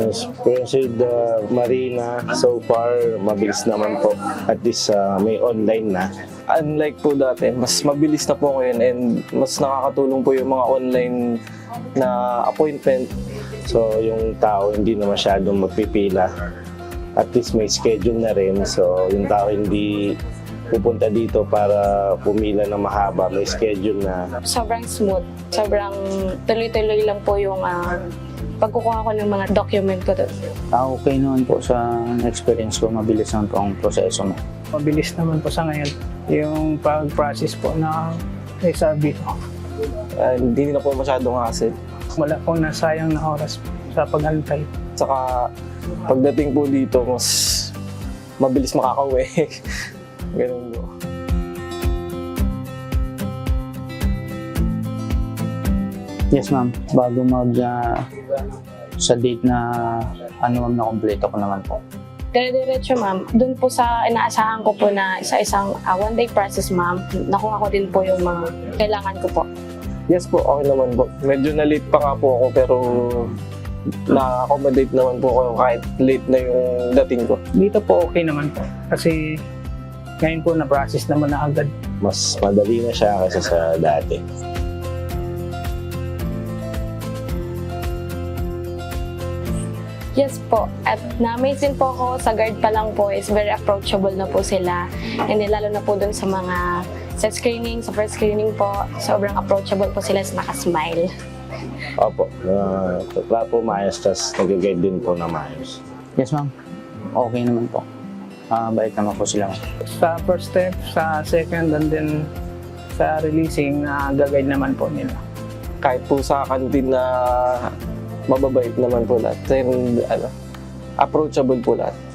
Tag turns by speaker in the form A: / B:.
A: Experience with the Marina, so far, mabilis naman po. At least may online na.
B: Unlike po dati, mas mabilis na po ngayon and mas nakakatulong po yung mga online na appointment.
A: So yung tao hindi na masyadong magpipila. At least may schedule na rin. So yung tao hindi pupunta dito para pumila na mahaba. May schedule na.
C: Sobrang smooth. Sobrang tuloy-tuloy lang po yung pagkukuha ko ng mga document ko doon.
D: Okay naman po sa experience ko, mabilis naman po ang proseso mo.
E: Mabilis naman po sa ngayon yung pag-process po na SRB ko.
B: Hindi na po masyadong hassle.
E: Wala pong nasayang na oras sa paghantay.
B: Saka pagdating po dito, mas mabilis makakauwi. Ganun po.
D: Yes ma'am, bago sa date na ma'am, na kompleto ko naman po.
C: Dire-diretso ma'am, doon po sa inaasahan ko po na isa-isang one-day process ma'am, nakuha ko din po yung mga kailangan ko po.
B: Yes po, okay naman po. Medyo na-late pa nga po ako pero na-accommodate naman po ako kahit late na yung dating ko.
E: Dito po okay naman po kasi ngayon po na-process naman na agad.
A: Mas madali na siya kaysa sa dati.
C: Yes po, at na-amaze din po ako sa guard pa lang po is very approachable na po sila. And then, lalo na po dun sa mga sa screening, sa first screening po, sobrang approachable po sila sa naka-smile.
A: Opo. Trato maayos, tas nag-guide din po na maayos.
D: Yes ma'am, okay naman po. Bait naman po sila.
E: Sa first step, sa second, and then sa releasing, gagawin naman po nila.
B: Kahit po sa kantin na mababait naman po lahat. And, approachable po lahat.